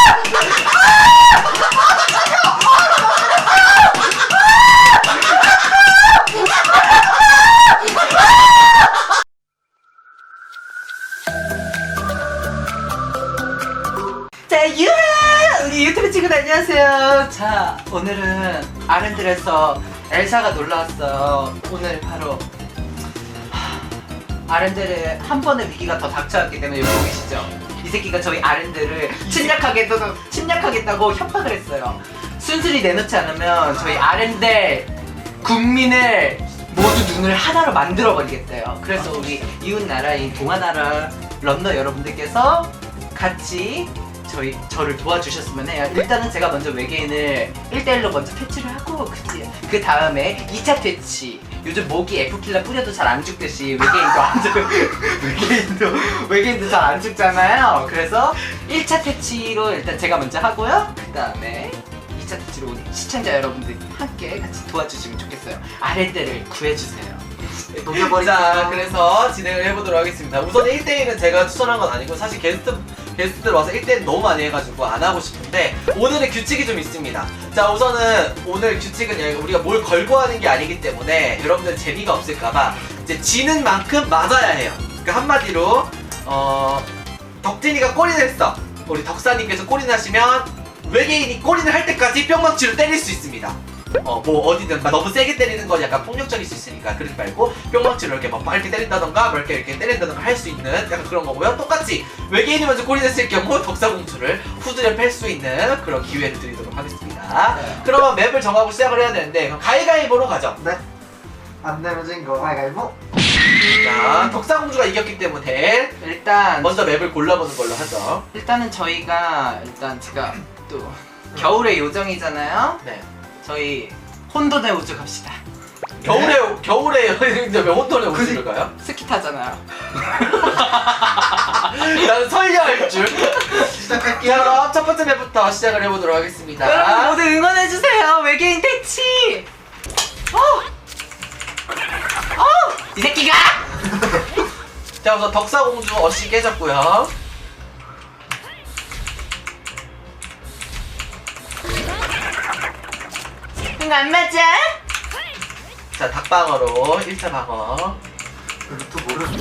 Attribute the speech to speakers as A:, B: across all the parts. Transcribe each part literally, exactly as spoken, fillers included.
A: 자, 유하! 우리 유튜브 친구들 안녕하세요. 자, 오늘은 아렌들에서 엘사가 놀러왔어요. 오늘 바로 하, 아렌들에 한 번의 위기가 더 닥쳐왔기 때문에 여기 보이시죠? 이 새끼가 저희 아렌들을 침략하겠다고, 침략하겠다고 협박을 했어요. 순순히 내놓지 않으면 저희 아렌들 국민을 모두 눈을 하나로 만들어 버리겠대요. 그래서 우리 이웃 나라인 동아나라 런너 여러분들께서 같이 저희 저를 도와주셨으면 해요. 일단은 제가 먼저 외계인을 일 대일로 먼저 퇴치를 하고 그치? 그 다음에 이 차 퇴치. 요즘 모기 에프킬라 뿌려도 잘 안 죽듯이 외계인도 완전 외계인도 외계인도 잘 안 죽잖아요. 그래서 일 차 퇴치로 일단 제가 먼저 하고요. 그 다음에 이 차 퇴치로 우리 시청자 여러분들이 함께 같이 도와주시면 좋겠어요. 아랫대를 구해주세요.
B: 자, 그래서 진행을 해보도록 하겠습니다. 우선 일 대일은 제가 추천한 건 아니고 사실 게스트 게스트들 와서 일 대일 너무 많이 해가지고 안 하고 싶은데 오늘의 규칙이 좀 있습니다. 자, 우선은 오늘 규칙은 우리가 뭘 걸고 하는 게 아니기 때문에 여러분들 재미가 없을까봐 이제 지는 만큼 맞아야 해요. 그러니까 한마디로 어 덕진이가 골인을 했어. 우리 덕사님께서 골인 하시면 외계인이 골인을 할 때까지 뿅망치로 때릴 수 있습니다. 어 뭐 어디든 막 너무 세게 때리는 건 약간 폭력적일 수 있으니까 그러지 말고 뿅망치로 이렇게 막 이렇게 때린다던가 뭐 이렇게 이렇게 때린다던가 할 수 있는 약간 그런 거고요. 똑같이 외계인이 먼저 골인했을 경우 덕사공주를 후드려 팰 수 있는 그런 기회를 드리도록 하겠습니다.
A: 네.
B: 그러면 맵을 정하고 시작을 해야 되는데 그럼 가위가위보로 가죠.
C: 네. 안 내면 진거 가위가위보.
B: 자, 덕사공주가 이겼기 때문에
A: 일단
B: 먼저 맵을 골라보는 걸로 하죠.
A: 일단은 저희가 일단 제가 또 겨울의 요정이잖아요.
B: 네.
A: 저희 혼돈의 우주 갑시다.
B: 겨울에 겨울에 여행인데 왜 혼돈의 우주를 가요?
A: 스키 타잖아요.
B: 나는 설계할 줄.
C: 시작할게요.
B: 자, 그럼 첫 번째 맵부터 시작을 해보도록 하겠습니다.
A: 여러분 모두 응원해주세요. 외계인 퇴치. 어, 어, 이 새끼가.
B: 자, 우선 덕사공주 어시 깨졌고요.
A: 이거 안 맞아?
B: 자, 닭방어로 일 차 방어.
C: 루트 모르는데.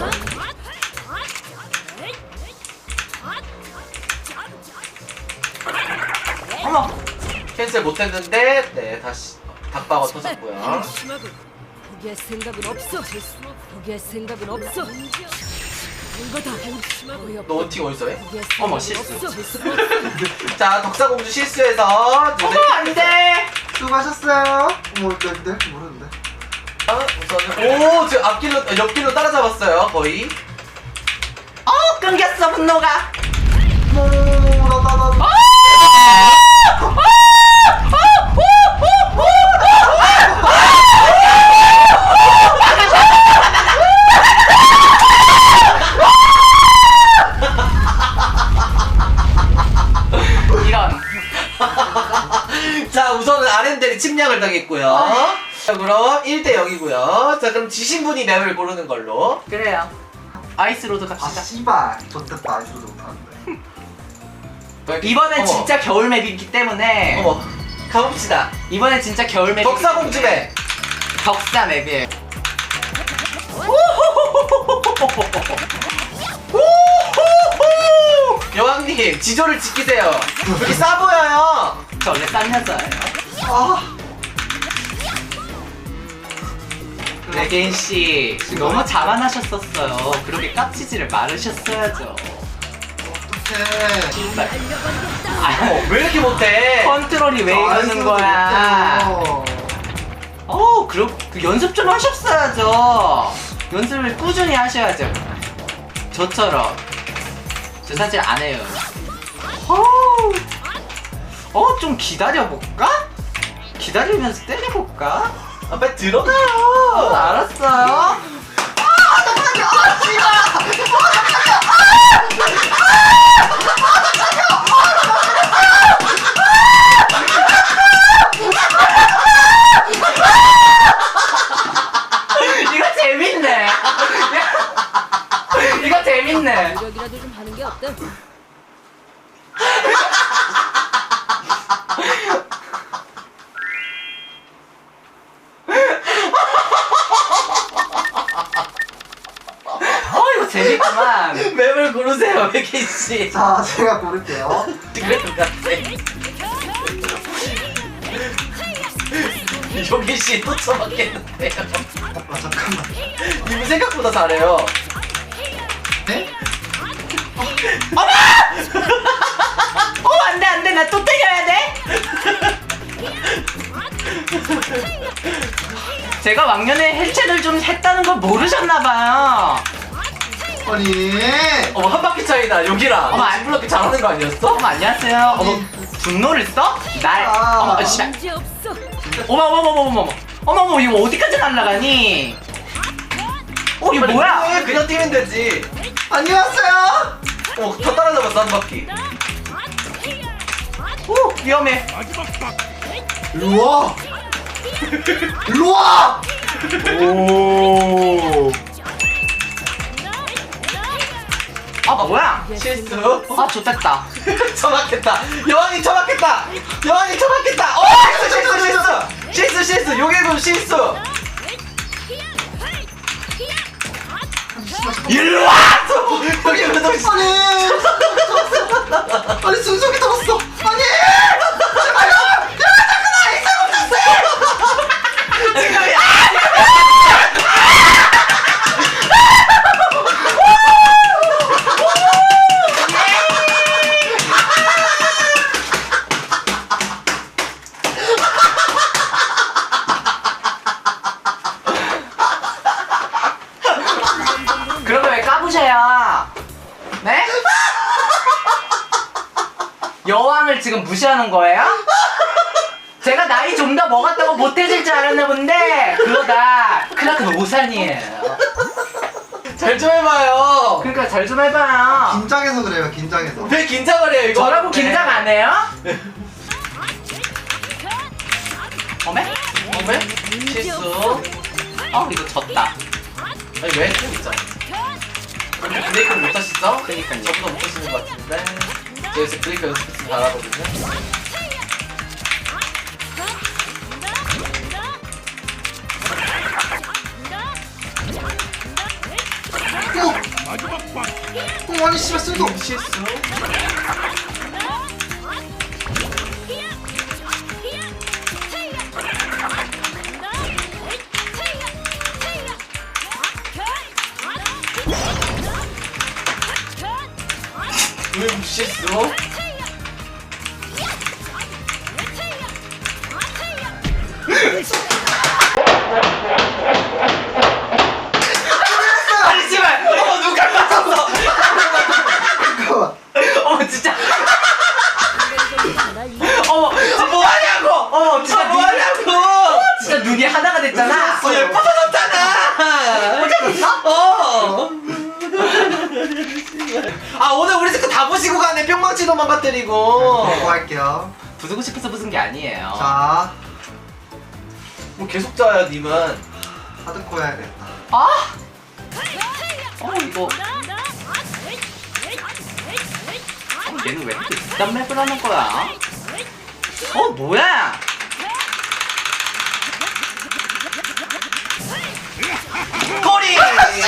A: 어머.
B: 캔슬 못했는데, 네, 다시 닭방어 터졌고요.
D: 포기할 생각은 없어. 포기할 생각은 없어. 이거다.
B: 너 원팅 어디서 해?
A: 어머, 실수.
B: 자, 덕사공주 실수해서
A: 어머, 안 돼.
C: 수고하셨어요. 모르는데 모르는데.
B: 우선은 오, 지금 앞길로 옆길로 따라잡았어요, 거의.
A: 어, 끊겼어 분노가.
C: 뭐나나나.
A: 이런.
B: 자, 우선은 아렌델이 침략을 당했고요. 자, 그럼 일 대 영이고요. 자, 그럼 지신 분이 맵을 고르는 걸로.
A: 그래요. 아이스로드
C: 아
A: 갑시다.
C: 씨발. 좋겠다. 아직도 못하는데.
A: 이번엔
B: 어머.
A: 진짜 겨울 맵이기 때문에.
B: 어머, 가봅시다.
A: 이번엔 진짜 겨울 맵.
B: 덕사공주 맵.
A: 덕사 맵이에요.
B: 여왕님, 지조를 지키세요. 여기 싸 보여요.
A: 저 원래 싼 여자예요.
C: 아.
A: 외계인 씨 너무 자만하셨었어요. 그렇게 깝치지를 말으셨어야죠.
C: 어떡해.
A: 정말.
B: 어,
A: 아,
B: 왜 이렇게 못해?
A: 컨트롤이 왜 이러는 거야? 어, 그럼 그 연습 좀 하셨어야죠. 연습을 꾸준히 하셔야죠. 저처럼. 저 사실 안 해요. 어, 어, 좀 기다려볼까? 기다리면서 때려볼까?
B: 아, 빨리 들어가요.
A: 어, 알았어요. 이거 재밌네. 이거 재밌네.
D: 노력이라도 좀 하는 게 어때?
A: 재밌구만.
B: 맵을 고르세요, 백희 씨.
C: 자, 제가 고를게요.
B: 그럴 것 같아. 요기 씨또 처먹겠는데요.
C: 아, 잠깐만.
B: 이분 생각보다 잘해요.
C: 네?
A: 어 안돼 안돼 나 또 때려야 돼. 제가 왕년에 헬체를 좀 했다는 걸 모르셨나봐요.
C: 아니.
B: 어머, 한 바퀴 차이다. 여기랑.
A: 어머,
B: 안 불렀기 잘하는 거 아니었어?
A: 어머 안녕하세요. 어머 분노를 써? 날.
C: 아.
A: 어머 씨발.
D: 문제 없어.
A: 어머 어머 어머 어머 어머 어머 어머 이거 어디까지 날아가니? 어 이거 뭐야?
B: 왜 그냥 뛰면 되지?
C: 안녕하세요.
B: 어, 더 따라잡았어, 한 바퀴.
A: 오 위험해.
C: 일로 와. 일로 와.
A: 오. 아 뭐야?
B: 실수.
A: 아 좋됐다.
B: 처박혔다. 여왕이 처박혔다. 여왕이 처박혔다. 어, 실수, 실수, 실수. 실수, 실수. 요괴금 실수. 일로 와! 요괴금 너 실수.
C: 아니. 아니 순속이 들었어. 아니.
B: 지금이야.
A: 그런 거 왜 까부셔요? 네? 여왕을 지금 무시하는 거예요? 제가 나이 좀 더 먹었다고 못해질 줄 알았나 본데 그거다 크라큰 오산이에요.
B: 잘 좀 해봐요.
A: 그러니까 잘 좀 해봐요.
C: 긴장해서 그래요. 긴장해서.
B: 왜 긴장을 해요, 이거?
A: 저라고 긴장 안 해요? 어메?
B: 어메? 실수.
A: 어 이거 졌다.
B: 아니, 왜? 좀 있잖아. 브레이크를 못 하시죠?
A: 그러니까요.
B: 저보다 못 하시는 것 같은데. 저 요새 브레이크 연습 좀 잘하거든요.
C: 어. 어, 아니 씨발 쓸도.
B: 실수. 왜 실수? 아니, 씨발! 어머, 누가 맞췄어!
C: 잠깐만.
A: 어머 진짜.
D: 날 이겨.
A: 어머
B: 아, 뭐 하냐고!
A: 어머 진짜
B: 아, 뭐
A: 눈이
B: 하냐고!
A: 진짜 눈이 하나가 됐잖아.
B: 어, 얘 퍼져졌잖아! 어! 아, 오늘 우리 스크 다 부시고 가네. 뿅망치도 망가뜨리고.
C: 뭐 할게요.
A: 부수고 싶어서 부순 게 아니에요.
C: 자,
B: 뭐 계속 짜야, 님은.
C: 하드코어 해야겠다.
A: 아? 어 이거 어, 얘는 왜 이렇게 이딴 맵을 하는 거야? 어 뭐야?
B: 꼬리!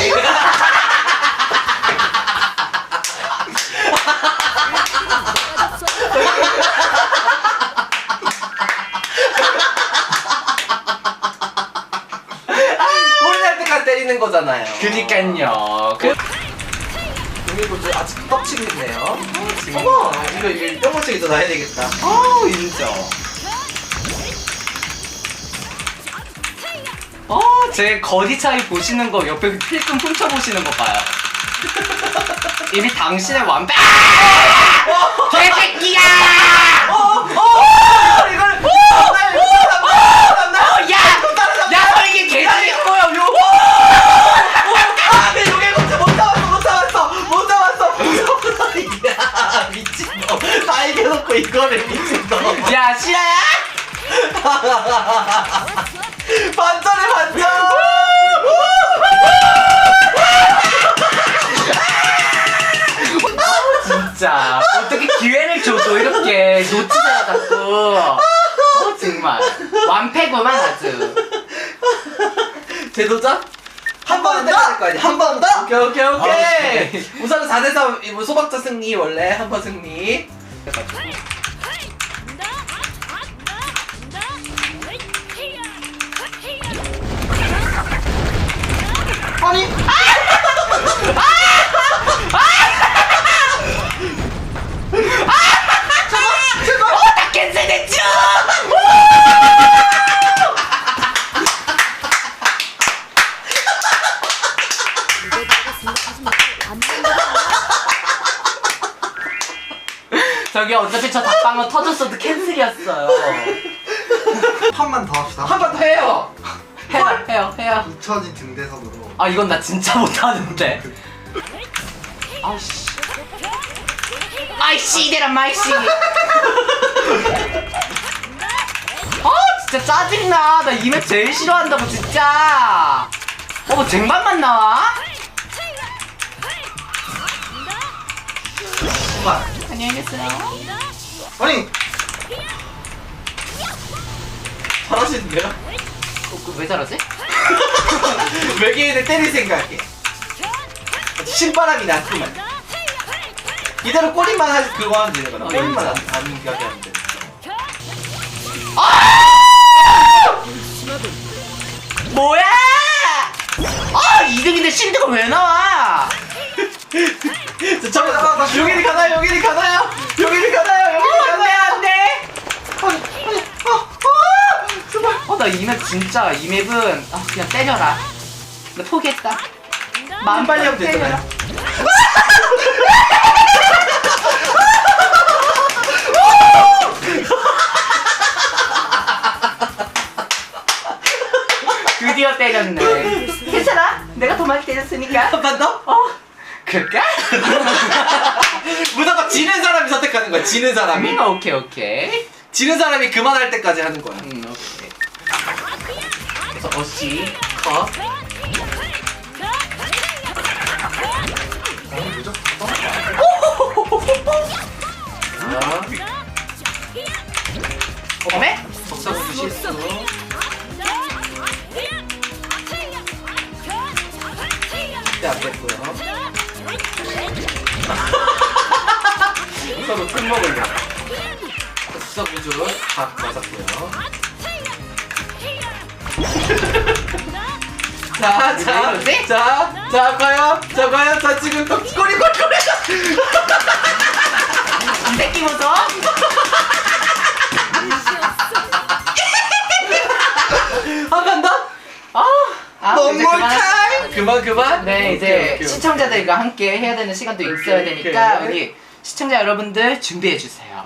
B: 꼬리 날 때까지 때리는 거잖아요.
A: 그니깐요. 그
B: 그리고 저 아직 떡치고 있네요. 어머! 이거, 이거 뿅망치기 더 나야 되겠다.
A: 어 인정. 어, 제 거리 차이 보시는 거 옆에 필금 훔쳐 보시는 거 봐요. 이미 당신의 완벽. 아! 개새끼야!
B: 어! 어! 이걸! 어! 나 이거 따라잡나?
A: 어, 야! 야, 너 이게 개새끼 거야, 요!
B: 아, 내 요괴 검체 못 잡았어, 못 잡았어, 못 잡았어, 못 잡았어. 야, 미친놈. 다 이겨놓고 이거를 미친놈.
A: 야, 실화야?
B: 반전에 반전.
A: 진짜 어떻게 기회를 줘도 이렇게 놓치잖아 자꾸. 어 정말 완패구만 아주.
B: 재도전? 한 번은
C: 더!
B: 때려야 될 거 아니야.
C: 한 번 더!
B: 오케이 오케이 오케이.
A: 오케이.
B: 우선은 사 대 삼 뭐 소박자 승리 원래 한 번 승리.
C: 아니
A: 다 캔슬됐죠!
D: 이거다가 생각하지 말고 안 된다.
A: 저기 어차피 저 닭방어 터졌어도 캔슬이었어요.
C: 판만 더 합시다.
B: 한 번 더 해요.
A: 해요, 해요, 해요.
C: 잊혀진 등대선으로.
A: 아 이건 나 진짜 못하는데. 아이씨. 아이씨 이대란 마이씨. 아 진짜 짜증나. 나 이 맵 제일 싫어한다고 진짜. 어머 쟁반만 나와?
C: 정말.
A: 안녕히 계세요.
C: 아니
B: 잘하시는데요?
A: 어, 그 왜 저러지?
B: 외계인을 때릴 생각에 신바람이 났구만. 이대로 꼬리만 하 그거 하면 되는 거다.
A: 어,
B: 꼬리만 안,
A: 진짜.
B: 안 가게 하면 돼.
A: 뭐야? 아 이 등인데 실드가 왜 나와?
B: 저, 저, 여기를 가나요? 여기를 가나요? 여기를 가나요? 여기를
A: 안돼
B: 가나요?
A: 안돼. 어나 이 맵 진짜 이 맵은 아, 그냥 때려라. 나 포기했다. 마음
B: 빨리 하면 되잖아요.
A: 때려라. 드디어 때렸네. 괜찮아? 내가 더 많이 때렸으니까.
B: 한 번 더?
A: 어? 그럴까?
B: 무조건 지는 사람이 선택하는 거야. 지는 사람이.
A: 음, 오케이 오케이.
B: 지는 사람이 그만할 때까지 하는 거야.
A: 음 오케이. 그래서 어시 컷.
C: 너무 늦었어.
A: 어메?
B: 석사구 실수. 절대 안 됐고요. 석사구 틈 먹으려. 석사구줄 다 맞았고요. 자,
A: 왜
B: 자,
A: 이러지?
B: 자, 자, 과연, 자, 과연, 자, 지금 또 꼬리, 꼬리, 꼬리.
A: 이 새끼 보소.
B: 한 번 더?
A: 아, 아
C: One
A: 이제
C: more
A: 그만.
C: time.
B: 그만, 그만.
A: 네
B: 오케이,
A: 이제
B: 오케이,
A: 시청자들과 함께 해야 되는 시간도 있어야
B: 오케이,
A: 되니까
B: 오케이.
A: 우리 시청자 여러분들 준비해 주세요.